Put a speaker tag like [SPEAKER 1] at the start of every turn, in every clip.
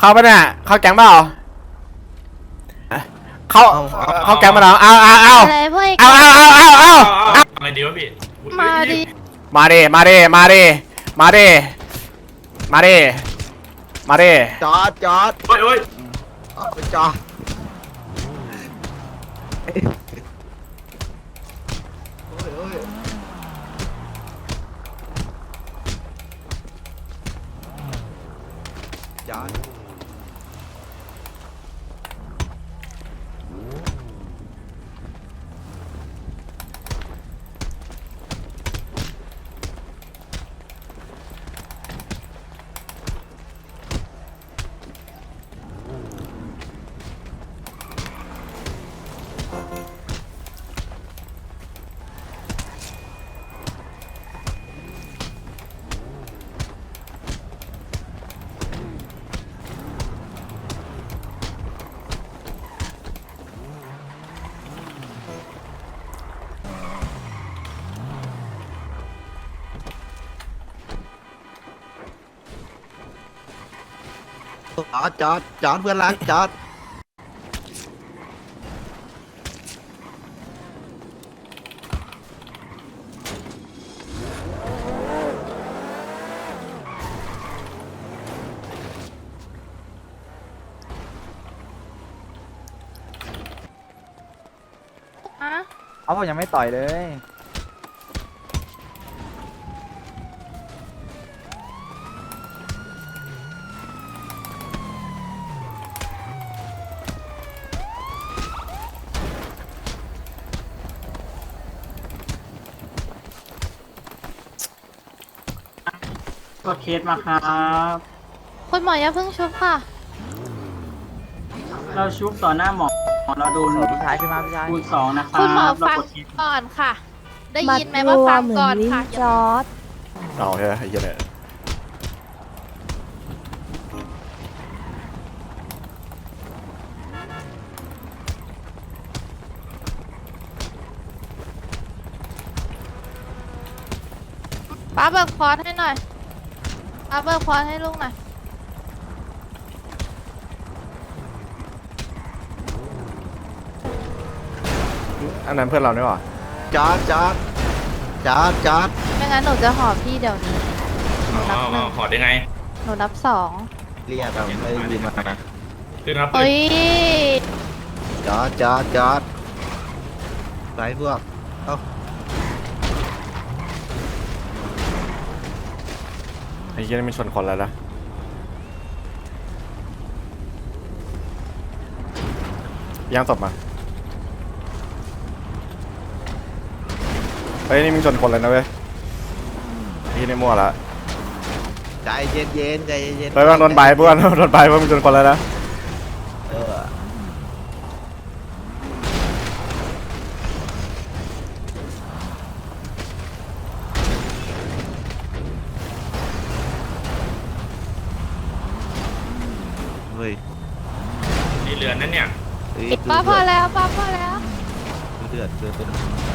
[SPEAKER 1] เข้าปะเนี่ยเข้าแก๊งเปล่าเข้าแก๊งมาเหรอเอา
[SPEAKER 2] อะไรพวก
[SPEAKER 1] เอา
[SPEAKER 3] อะไรดีวะพี่
[SPEAKER 2] มาดิ
[SPEAKER 1] มาดิ
[SPEAKER 4] จอด
[SPEAKER 3] โอ้ย
[SPEAKER 4] จอดจอดเพื่อนรักจอด
[SPEAKER 5] เอาผมยังไม่ต่อยเลย
[SPEAKER 6] กดเคสมาครับ
[SPEAKER 2] คุณหมออย่าเพิ่งชุบค่ะ
[SPEAKER 6] เราชุบต่อหน้าหมอเราโดน
[SPEAKER 5] พี่ชายขึ้นมาพี่ชาย
[SPEAKER 6] คูณ2นะครับ
[SPEAKER 2] คุณหมอฟัง
[SPEAKER 6] เรากดเคส
[SPEAKER 2] ก่อนค่ะ ได้ยินไหมว่าฟังก่อนค่ะ
[SPEAKER 7] จอร์ด
[SPEAKER 1] เอาใช่ไหมไอ้เหี้ยเนี่ย
[SPEAKER 2] ป้าเบิกคอร์สให้หน่อยป้าเบิกคอร์สให้ลุงหน่อย
[SPEAKER 1] อันนั้นเพื่อนเราเนี่ยหรอ
[SPEAKER 4] จอด
[SPEAKER 2] ไม่งั้นหนูจะหอบพี่เดี๋ยวนี้หนูนับหนึ่ง
[SPEAKER 3] ขอได้ไง
[SPEAKER 2] หนูนับสอง
[SPEAKER 4] เรียกเราไม่ได้ยินมา
[SPEAKER 3] คือครับ
[SPEAKER 2] เฮ้ย
[SPEAKER 4] จอดไปพวกเอ้า
[SPEAKER 1] ไอ้เหี้ยนี่มันชนคนแล้วนะย่างศพมาเฮ้ยนี่มึงชนคนเลยนะเว้ยพี่นี่มั่วละ
[SPEAKER 4] ใจเย็น
[SPEAKER 1] เฮ้ยบางโดนใบเพื่อนโดนใบเพื่อนมึงชนคนแล้วนะ
[SPEAKER 4] เออเฮ้ย
[SPEAKER 3] นี่เรือนนั่นเนี่ย
[SPEAKER 2] ป้าพอแล้วป้าพอแล้ว
[SPEAKER 4] เดือดเป็น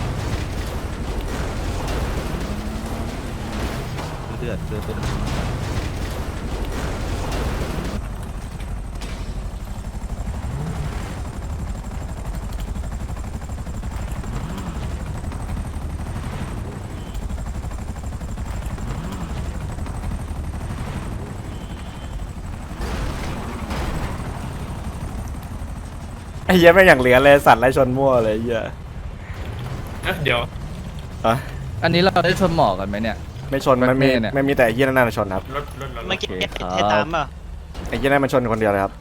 [SPEAKER 1] ไอ้เหี้ยไม่งอย่างเหลือเลยสัตว์ไล่ชนมั่วเลยไอ้เหี้ย
[SPEAKER 3] เดี๋ยว
[SPEAKER 1] อะ
[SPEAKER 5] อันนี้เราได้ชนหมอกันไหมเนี่ย
[SPEAKER 1] ไม่ชนมันมี
[SPEAKER 5] เนี่ย
[SPEAKER 1] ไม่มีแต่ไอ้เหี้ยนั่นนะชนครับ
[SPEAKER 3] รถ
[SPEAKER 5] เมื่อกี้ตามป่ะ
[SPEAKER 1] ไอ้เหี้ยนั่นมันชนคนเดียวเลยครับ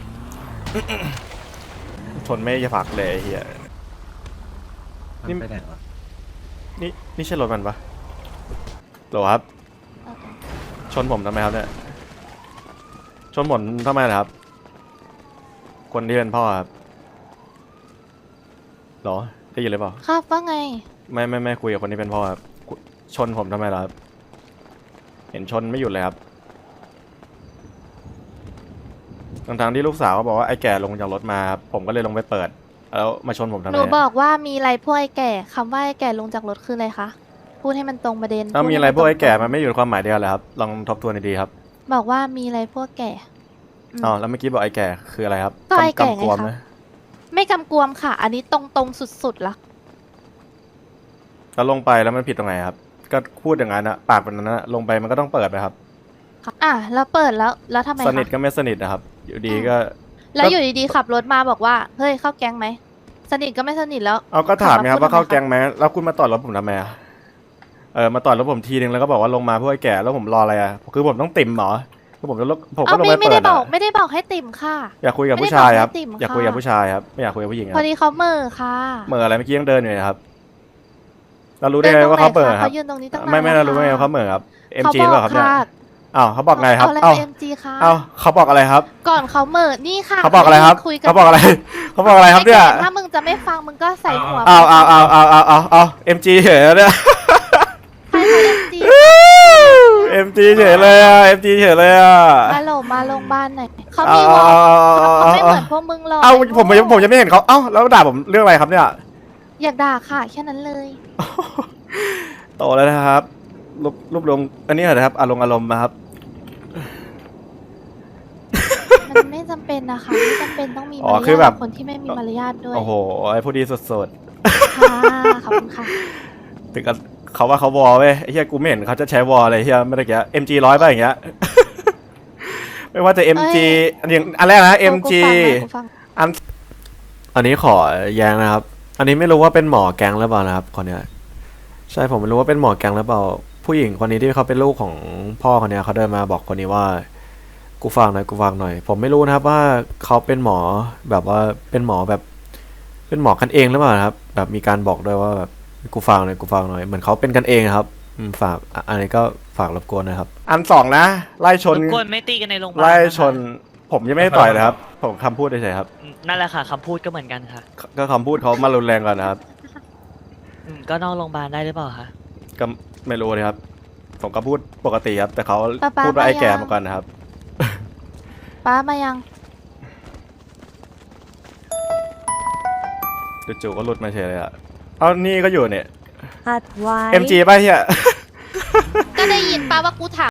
[SPEAKER 1] ชนไม่จะผักเลยไอ้เหี้ย นี่
[SPEAKER 4] ไปไหนวะ
[SPEAKER 1] นี่ใช่รถมันปะโหลครับ ชนผมทำไมครับเนี่ย ชนผมทำไมล่ะครับ คนที่เป็นพ่อครับหรอได้ยินหรือเปล่า
[SPEAKER 2] ครับว่าไง
[SPEAKER 1] ไม่คุยกับคนที่เป็นพ่อครับชนผมทำไมล่ะครับ เห็นชนไม่หยุดเลยครับทั้งที่ลูกสาวก็บอกว่าไอ้แก่ลงจากรถมาครับผมก็เลยลงไปเปิด แล้วมาชนผมทำไม
[SPEAKER 2] หนูบอกว่ามีอะไรพวกไอ้แก่คำว่าไอ้แก่ลงจากรถคืออะไรคะ พูดให้มันตรงประเด็น
[SPEAKER 1] มีอะไรพวกไอ้แก่มันไม่อยู่ในความหมายเดียวเลยครับ ลองทบทวนดีๆครับ
[SPEAKER 2] บอกว่ามีอะไรพวกแก่
[SPEAKER 1] อ๋อแล้วเมื่อกี้บอกไอ้แก่คืออะไรครับ
[SPEAKER 2] ก็ไอ้แก่
[SPEAKER 1] กำกวม
[SPEAKER 2] ไงคะ
[SPEAKER 1] นะ
[SPEAKER 2] ไม่กำกวมค่ะ อันนี้ตรงสุดๆละ
[SPEAKER 1] แล้วลงไปแล้วมันผิดตรงไหนครับ ก็พูดอย่างนั้นอะปากแบบนั้นอะลงไปมันก็ต้องเปิดนะครับ
[SPEAKER 2] แล้วเปิดแล้วทำไม
[SPEAKER 1] สนิท
[SPEAKER 2] คะ
[SPEAKER 1] ก็ไม่สนิทนะครับ อยู่ดีก็
[SPEAKER 2] แล้วอยู่ดีๆขับรถมาบอกว่าเฮ้ยเข้าแก๊งไหมสนิทก็ไม่สนิทแล้ว
[SPEAKER 1] เอาก็ถามไงครับ
[SPEAKER 2] พูด
[SPEAKER 1] ว่าเข้า
[SPEAKER 2] ทำไม
[SPEAKER 1] แก๊งไหมแล้วคุณมาต่อยรถผมทำไมอะมาต่อยรถผมทีนึงแล้วก็บอกว่าลงมาเพื่อไอ้แก่แล้วผมรออะไรอะคือผมต้องติ่มเหรอคือผมจะลงผมก็ลงไป
[SPEAKER 2] ไม่
[SPEAKER 1] เปิ
[SPEAKER 2] ได้
[SPEAKER 1] ด
[SPEAKER 2] บอก
[SPEAKER 1] อะ
[SPEAKER 2] ไม่ได้บอกให้ติ่มค่ะ
[SPEAKER 1] อยากคุยกับผู้ชายครับ
[SPEAKER 2] ไม่ได้บอกให้ติ่ม
[SPEAKER 1] อยากคุยกับ
[SPEAKER 2] ค่ะ
[SPEAKER 1] ผู้ชายครับไม่อยากคุยกับผู้หญิงค
[SPEAKER 2] พ
[SPEAKER 1] รั
[SPEAKER 2] อบ ดีเขาเหม่อค่ะ
[SPEAKER 1] เหมื่ออะไรเมื่อกี้ยังเดินอยู่เลยครับเรารู้ได้ไงว่าเขาเหม่อครับ
[SPEAKER 2] เขายืนตรงนี้ตั้งนาน
[SPEAKER 1] ไม่
[SPEAKER 2] แล้ว
[SPEAKER 1] เรารู้ได้ไงว่าเขาเหม่อครับ
[SPEAKER 2] เขา
[SPEAKER 1] MG
[SPEAKER 2] บ
[SPEAKER 1] หรือ
[SPEAKER 2] อ
[SPEAKER 1] เปล่าก ครับเนี่ย
[SPEAKER 2] ค่ะ
[SPEAKER 1] อ้าวเขาบอกไงครับ
[SPEAKER 2] เอาอะไร
[SPEAKER 1] เอ้า
[SPEAKER 2] มา MG ค่ะ
[SPEAKER 1] เอ้าเขาบอกอะไรครับ
[SPEAKER 2] ก่อนเขาเหม่อนี่ค่ะ
[SPEAKER 1] เขาบอกอะไรครับ
[SPEAKER 2] คุยกัน
[SPEAKER 1] เขาบอกอะไรเขาบอกอะไรครับเนี่ย
[SPEAKER 2] ไอ้แก่ถ้ามึงจะไม่ฟังมึงก็ใส่หัว
[SPEAKER 1] เอา MG เฉยเลย
[SPEAKER 2] ใครเขา MG
[SPEAKER 1] MG เฉยเลยอ่ะ MG เฉยเลยอ่ะ
[SPEAKER 2] มาโหลมาโรงพยาบาลหน่อยเขามีวอลเขาไม่เหมือนพวกมึงหรอก
[SPEAKER 1] เอ้าผมจะไม่เห็นเขาเอ้าแล้วด่าผมเรื่องอะไรครับเนี่ย
[SPEAKER 2] อยากด่าค่ะแค่นั้นเลย
[SPEAKER 1] โตแล้วนะครับรูปลงอันนี้เหรอนะครับอารมณ์นะครับ
[SPEAKER 2] มันไม่จำเป็นนะคะไม่จำเป็นต้องมี
[SPEAKER 1] อ๋
[SPEAKER 2] มา
[SPEAKER 1] อ
[SPEAKER 2] ร
[SPEAKER 1] คือย
[SPEAKER 2] า
[SPEAKER 1] แบ
[SPEAKER 2] ท
[SPEAKER 1] บ
[SPEAKER 2] คนที่ไม่มีมารยาทด้วย
[SPEAKER 1] โอ้โหไอ้ผู้ดีสด
[SPEAKER 2] ค่ะขอบคุณค่ะ
[SPEAKER 1] ๆถึงกับเขาว่าเขาวอลเว้ยไอ้เหี้ยกูไม่เห็นเขาจะใช้วอลอะไรเหี้ยไม่ได้เกี้ย MG 100ป่ะอย่างเงี้ย ไม่ว่าจะ MG อันแรกนะ MG
[SPEAKER 2] กูฟัง
[SPEAKER 1] อันนี้ขอแย้งนะครับ อันนี้ไม่รู้ว่าเป็นหมอแก๊งหรือเปล่านะครับคนเนี้ยใช่ผมไม่รู้ว่าเป็นหมอแก๊งหรือเปล่า ผู้หญิงคนนี้ที่เขาเป็นลูกของพ่อคนเนี้ยเขาเดินมาบอกคนนี้ว่ากูฟังหน่อยผมไม่รู้นะครับว่าเขาเป็นหมอแบบว่าเป็นหมอแบบ เป็นหมอกันเองหรือเปล่านะครับ แบบมีการบอกด้วยว่าแบบกูฟังหน่อยเหมือนเขาเป็นกันเองครับฝากอันนี้ก็ฝากรบกวนนะครับ อันสองนะไล่ชน
[SPEAKER 7] รบกวนไม่ตีกันในโรงพยาบาล
[SPEAKER 1] ไล่
[SPEAKER 7] นะคะ
[SPEAKER 1] ชน ผมยังไม่ได้ต่อยเลยครับ ผมคำพูดเฉยๆครับ
[SPEAKER 7] นั่นแหละค่ะคำพูดก็เหมือนกันค่ะ
[SPEAKER 1] ก็คำพูดเขามารุนแรงก่อนนะครับ
[SPEAKER 7] ก็นอกโรงพยาบาลได้หรือเปล่าคะ
[SPEAKER 1] ก็ไม่รู้เลยครับ ผมก็พูดปกติครับ แต่เขา
[SPEAKER 2] ป๊า
[SPEAKER 1] พูดว่าไอ้แก่
[SPEAKER 2] มายัง
[SPEAKER 1] มาก่อนนะครับ
[SPEAKER 2] ป้ามายัง
[SPEAKER 1] จู่ๆก็หลุดมาเฉยเลยอ่ะเอานี่ก็อยู่เนี่ย
[SPEAKER 8] หัดไว้
[SPEAKER 1] MG ป่ะเฮีย
[SPEAKER 2] ก็ได้ยินป้าว่ากูถาม